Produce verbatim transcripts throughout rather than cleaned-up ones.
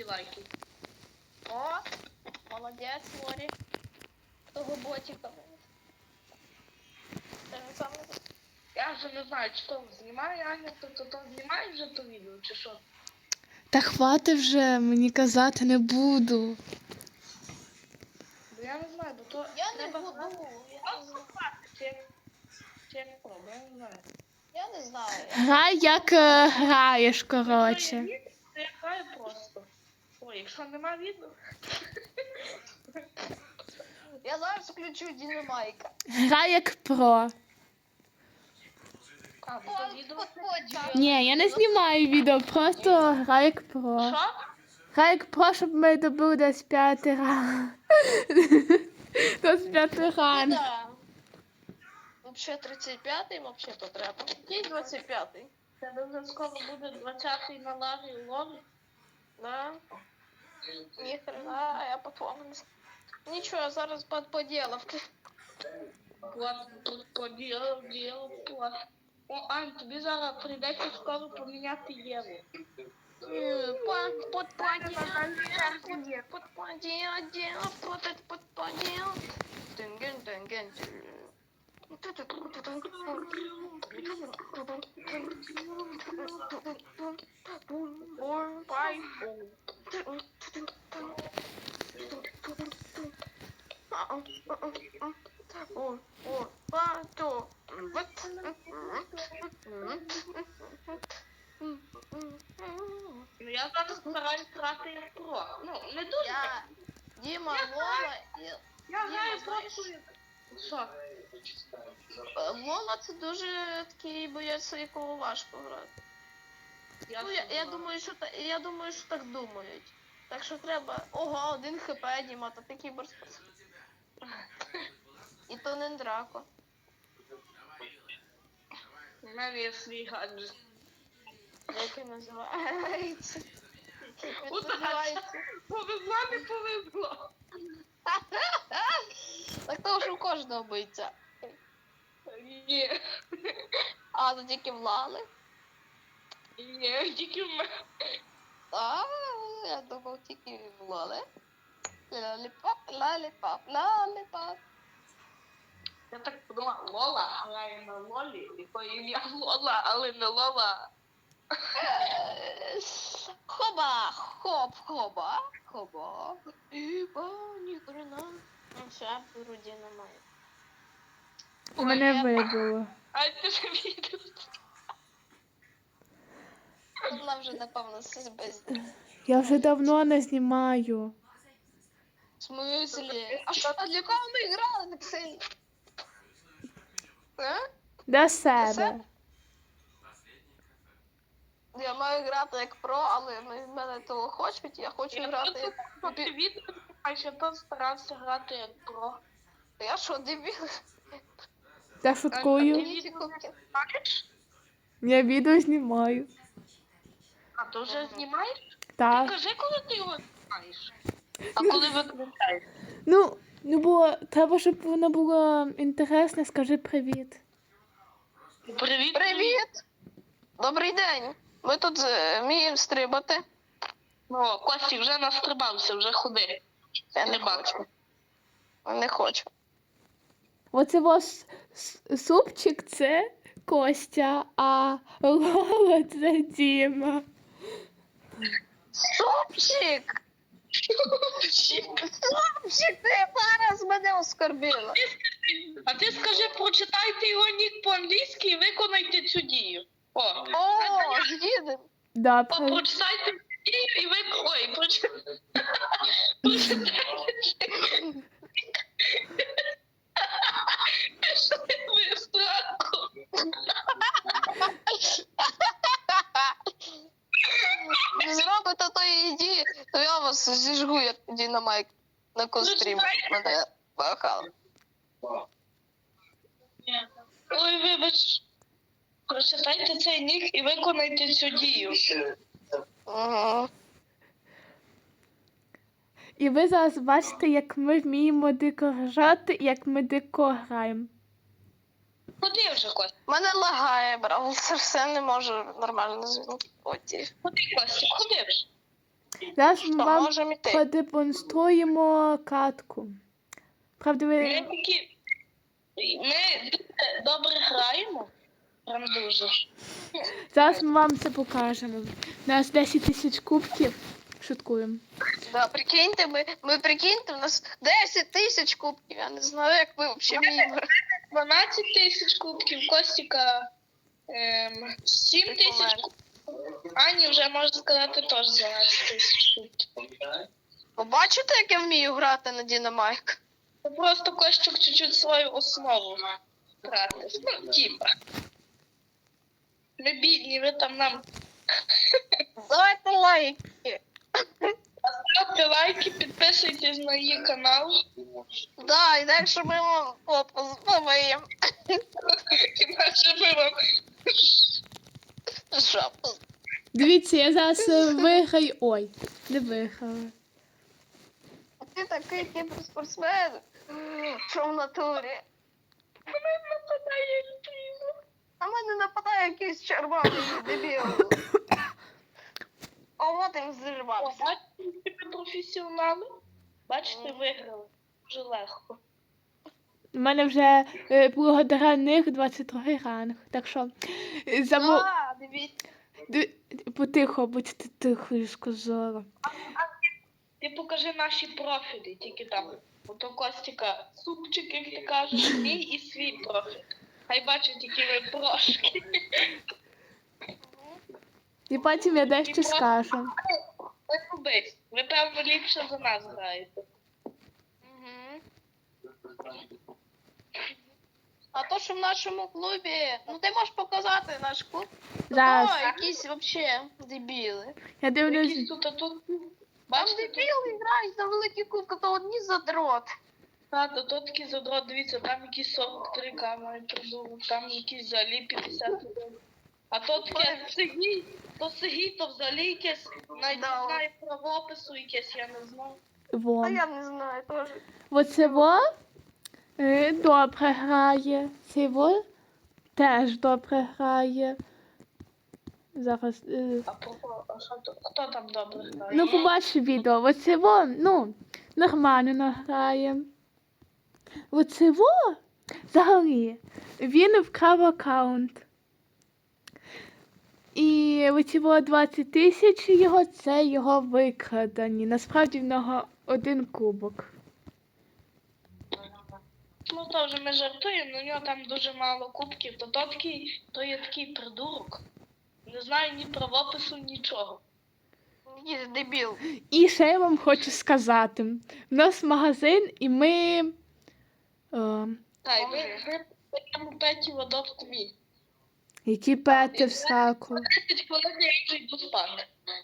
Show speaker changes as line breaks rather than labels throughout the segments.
лайків.
О, молодець, Лорі. Того ботика. Це ж саме.
Я вже не знаю, чи то знімає Аня, то то, то знімає вже то відео, чи що?
Та хвати вже, мені казати не буду.
Бо я не знаю, бо то
Я не
треба
буду.
знати.
Я не знаю.
Чи як, чи як пробую, я не знаю.
Я не знаю.
Грай, як е, граєш,
Якщо є
коротше.
відео, то я граю просто. Ой, якщо нема відео,
Я зараз включу Дінамайка.
Грай як про.
а, бо то відео...
Ні, я не знімаю відео, просто грай як про.
Що?
Грай як про, щоб ми добили десь п'ятий ранг. Десь п'ятий ранг.
Да. Вообще тридцять п'ятий, вообще то треба. Який двадцять п'ятий?
Тебе вже скоро буде двадцятий на лаві лові.
Да. Ніхрена, я по-твоєму. Нічого, зараз под поділав.
Плат, тут поділ, діл, плат. О, Ань, тобі зараз прийдеться скоро поміняти Єву.
Под под поділ, под поділ, под под поділ. Тинген, тинген,
Ну я зараз стараюсь грати як про. Ну, не дуже.
Я, Діма, Лола і...
Я
Діма,
граю
знаєш,
просто. Що?
Лола це дуже такий боєць, якого важко грати.
Я
Ну, я, я
знаю.
думаю, що та- я думаю, що так думають. Так що треба. Ого, один хп, Діма, та такий борспорт. І то не драко.
У мене є свій гаджет.
Як він називається? Як він
Удача.
називається?
Повезло, не повезло.
Так то ж у кожного биться.
Ні.
А, то тільки влали.
Ні, тільки в мене.
А, я думав тільки влали. Лаліпап, лаліпап, лаліпап.
Я так подумала, Лола грає на Лолі, якої ім'я Лола, але не Лола.
Хоба, хоп, хоба, хоба. Іба, ніхрена. Ну все, вроді немає.
У мене вибило.
А ти ж відео.
Вона вже, напевно, все без...
Я вже давно не знімаю.
В смислі? А що, а для кого ми грали так сильно? А?
До себе.
Я маю грати як про, але ми- мене того хочуть, я хочу грати як...
Ти відео, а ще то старався грати як про.
Я що, дебіл?
Я
А
шуткую.
ти відео не знаєш?
Я відео знімаю.
А то вже знімаєш? Ти
Так.
кажи, коли ти його знімаєш. А коли виключаєш?
Ну, ну бо треба, щоб воно було інтересне, скажи привіт.
Привіт.
Привіт! Добрий день! Ми тут е, вміємо стрибати.
О, Костік вже настрибався, вже ходи.
Я не
Не бачу.
хочу. Не хочу.
Оце ваш с- супчик це Костя, а Лола це Діма.
Супчик! Супчик, ти зараз мене оскорбила.
А ти скажи, прочитайте його нік по-англійськи і виконайте цю дію. О,
О, їдемо.
О,
Добре.
прочитайте цю дію і ви... Ой, прочитайте. Прочитайте цю... Що ти ви страху?
Не зробите тої дії, то я вас зіжгу, як Дінамайк на кострі. Мене бахали.
Ой, вибач. Прочитайте цей нік і виконайте цю дію.
Ага.
І ви зараз бачите, як ми вміємо дико грати і як ми дико граємо.
Ходи вже, Костя.
Мене лагає, брав, все не можу нормально звінути. Оті.
Ходи, Костя, ходи вже.
Зараз ми
Що,
вам
можемо йти?
продемонструємо катку. Правда,
Ми
ви...
такі. Ми дуже добре граємо. Прям дуже.
Зараз ми вам це покажемо. У нас десять тисяч кубків. Шуткуємо.
Да, прикиньте, ми, ми прикиньте, у нас десять тисяч кубків. Я не знаю, як ви взагалі вміємо.
дванадцять тисяч кубків, Костіка ем, сім тисяч
Прикольно.
кубків. Ані вже можна сказати теж дванадцять тисяч кубків.
Ви бачите, як я вмію грати на Дінамайк?
Це просто Костюк чуть-чуть свою основу грати. Ну, типа. Ми бідні, ви там нам
Давайте лайки.
ставте лайки, підписуйтесь на її канал.
Да, інакше ми вам попу зловимо.
Іначе ми вам
Жопу.
Дивіться, я зараз е, виграю. Ой, не виграла.
Ти такий кіберспортсмен, що в натурі.
нападає людина.
На мене нападає якийсь червоний дебіл. О, от він
О,
зірвався.
бачите, ви професіонали? Бачите, виграли. Дуже легко.
У мене вже е, благодаря них двадцять другий ранг. Так що е, замо...
Да, дивіться.
Ди- Потихо, будьте тихо, я сказала.
Ти покажи наші профілі, тільки там. Ото Костіка, супчик, як ти кажеш, мій і свій профіль. Хай бачать, які ви прошки.
І потім я дещо скажу.
Ви кубись. Ви, певно, ліпше за нас граєте.
Мгм. А то, що в нашому клубі, ну ти можеш показати наш клуб.
Зараз.
О, якісь вообще дебіли.
Я дивлюсь.
Якісь тут, а тут.
Там
Бачите, тут,
дебіли грають за великі кубки, то одні задрот.
та, то, то такий задрот, дивіться, там якісь сорок три камери придумав, там якісь взагалі п'ятдесят один. А то таке Сергій, то Сергій, то взагалі якесь, навіть
Да.
не знаю правопису якесь, я не знаю.
Во.
А я не знаю теж.
Оце во е, добре грає. Цей во теж добре грає. Зараз. Е,
А про а що то- хто там добре грає?
ну, побачиш відео. Оце во, ну, нормально грає. Оце во взагалі. Він вкрав аккаунт. І оці во двадцять тисяч його, це його викрадані. Насправді в нього один кубок.
Ну то вже ми жартуємо, але у нього там дуже мало кубків, то, то, такий, то є такий придурок. Не знаю ні правопису, нічого.
Якийсь дебіл.
І ще я вам хочу сказати. У нас магазин, і ми. Е,
Та, і ви, ви прямо п'яті в адопт мій.
які пети в сраку.
десять хвилин я вже йду спати.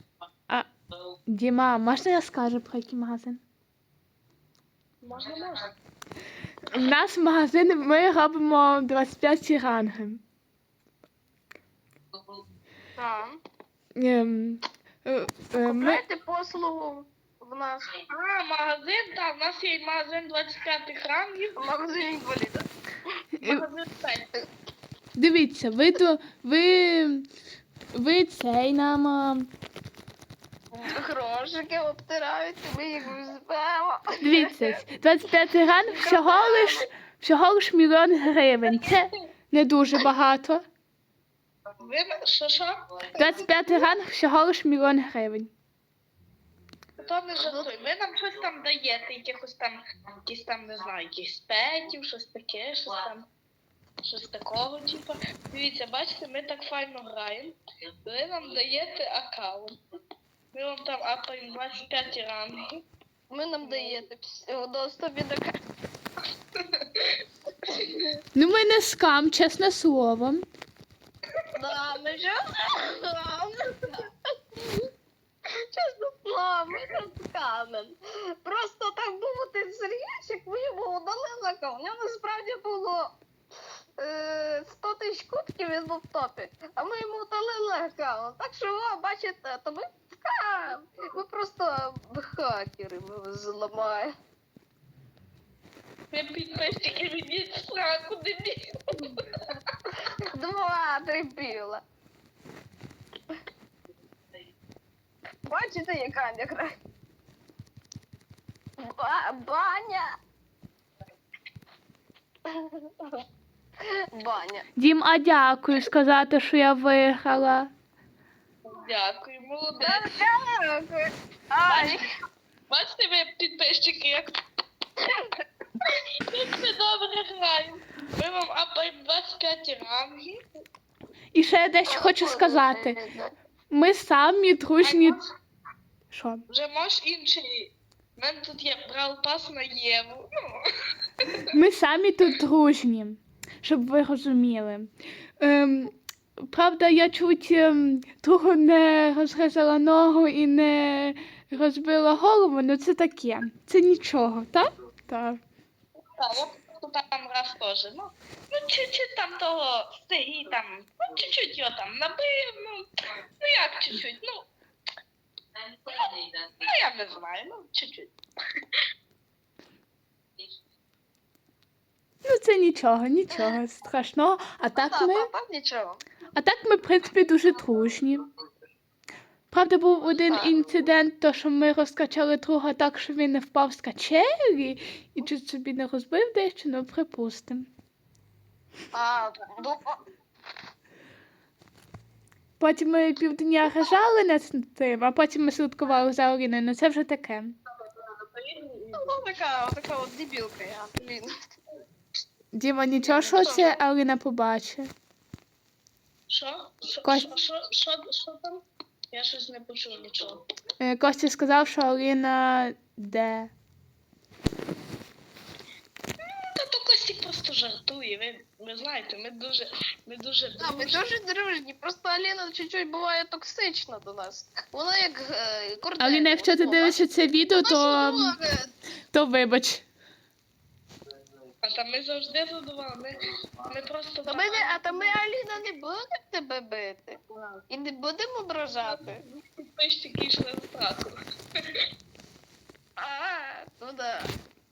Діма, можна я скажу про який магазин?
Можна, можна.
У нас магазин, ми робимо двадцять п'ять ранги.
Так.
Ем, е, е, ми,
Купляйте послугу в нас.
А, магазин, так, у нас є магазин двадцять п'ятих рангів,
В магазині інваліда.
е,
магазин п'ять.
дивіться, ви то ви, ви цей нам. а,
Грошики обтирають, ми їх візьмемо.
Дивіться, двадцять п'ятий ранг всього лиш, всього лиш мільйон гривень. Це не дуже багато.
Ви, що, що?
двадцять п'ятий ранг всього лиш мільйон гривень.
То не жартуй. Ви нам щось там даєте, якихось там, якісь там, не знаю, якісь петів, щось таке, щось там, щось такого, типу. Дивіться, бачите, ми так файно граємо. Ви нам даєте аккаунт. Ми вам там апаємо двадцять п'ять ранги.
Ви нам даєте всього доступ до карти.
Ну, ми не скам, чесне слово.
Да, ми ж чесно слово, ми не скамен. Просто так думати, Сергійчик, ми йому удалили аккаунт. У нього насправді було е, сто тисяч кубків, він був в топі. А ми йому удалили аккаунт. Так що, о, бачите, то ми скам. Ми просто хакери, ми вас зламаємо.
Ви підписчики відіть в сраку, дебіл.
Два дебіла. Бачите, яка не грає? Ба баня. Баня.
Дім, а дякую сказати, що я виграла.
Дякую, молодець.
Дякую. Ай.
Бачите, ви підписчики, як як ми добре граємо. Ми вам апаємо двадцять п'ять рангів.
І ще я дещо хочу сказати. Ми самі дружні. Що?
Вже можеш інший. У мене тут є брал пас на Єву. Ну.
Ми самі тут дружні, щоб ви розуміли. Ем, правда, я чуть ем, того не розрізала ногу і не розбила голову, але це таке. Це нічого, так? Так.
Так, от тут там раз теж. Ну, ну чуть-чуть там того стегі там. Ну, чуть-чуть його там набив. Ну, ну як чуть-чуть, ну. Ну, я не знаю, ну, чуть-чуть.
Ну це нічого, нічого страшного. А так ми,
Так, нічого.
а так ми, в принципі, дуже дружні. Правда, був один
Так.
інцидент, то що ми розкачали друга так, що він не впав з качелі і чуть собі не розбив дещо, ну припустимо.
А, ну,
Потім ми півдня рожали над тим, а потім ми слідкували за Оріною, ну це вже таке.
ну така, така от дебілка я, блін.
Діма, нічого, що це Аліна побачить.
Що? Що,
Кость-
що, що, що, що там? Я щось не почув нічого.
Е, Костя сказав, що Аліна де?
Та то Костік просто жартує, ви, ви знаєте, ми дуже, ми дуже
А, ми
дружні.
дуже дружні, просто Аліна чуть-чуть буває токсична до нас. Вона як е, кордон.
Аліна, якщо ти дивишся це відео, то, то вибач.
А там ми завжди задоволені. Ми, ми просто
Та ми, не- а та ми, Аліна, не будемо тебе бити. І не будемо ображати.
підписчики йшли в страту.
А, ну да.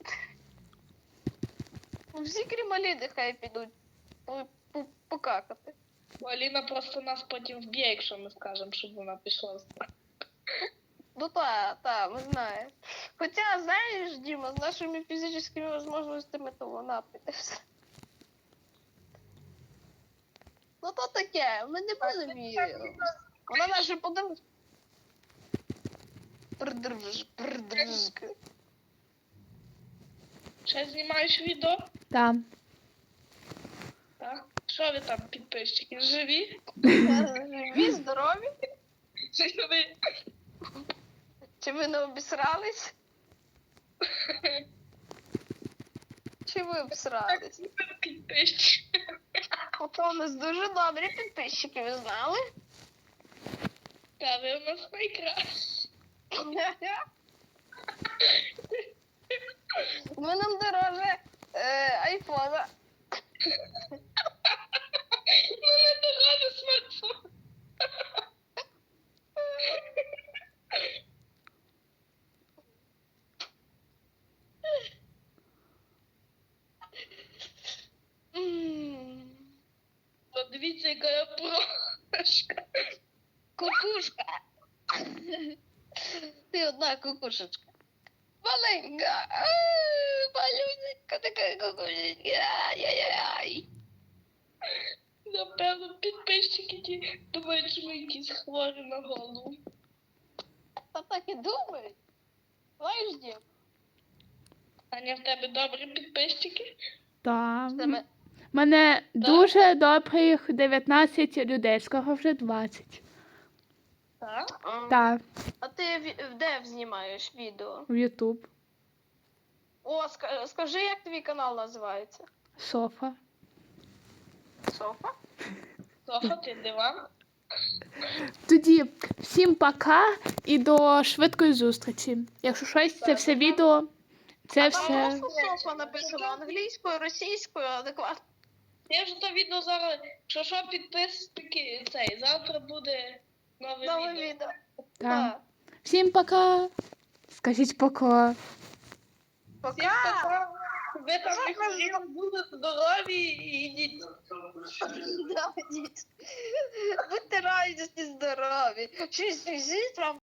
Ну, всі крім Аліни хай підуть по- по- покакати.
Бо Аліна просто нас потім вб'є, якщо ми скажемо, щоб вона пішла в страту.
Ну та, та, ми знаємо. Хоча, знаєш, Діма, з нашими фізичними можливостями, то вона піде все. Ну то таке, ми не будемо її. Вона наша подивись. Придруж, придружка.
Ще знімаєш відео?
Там.
Так? Що ви там, підписчики, живі?
Живі, здорові?
Живі?
Чи ви не обісрались? Чи ви обісрались?
Підписчики.
Ото у нас дуже добрі підписчики, ви знали?
Та ви у нас найкращі.
Ви нам дороже е, айфона.
Ну не дороже смартфон.
М,
Подивіться, яка я прошка.
Кукушка. Ти одна кукушечка. Маленька. а, Малюсенька така кукушечка. Ай-яй-яй.
Напевно, підписчики ті думають, що ми якісь хворі на голову.
Та так і думають. Знаєш, Дім?
Аня, в тебе добрі підписчики?
Там.
Тебе...
Мене дуже добрих дев'ятнадцять людей, скоро вже двадцять.
Так.
Так,
А ти в- де знімаєш відео?
в Ютуб.
О, ска- скажи, як твій канал називається?
Софа.
Софа?
Софа, ти диван?
Тоді всім пока і до швидкої зустрічі. Якщо щось, це все відео, це
Там
все.
просто Софа написано англійською, російською, адекватно.
Я вже то відео зараз, що що підписники цей, завтра буде нове,
Нове
відео.
відео.
Так.
Так.
Всім пока. Скажіть пока.
Всім
Пока.
пока. Ви там не хворіли, будете здорові і йдіть.
Да, діть. Будьте радісні, здорові. Щось вам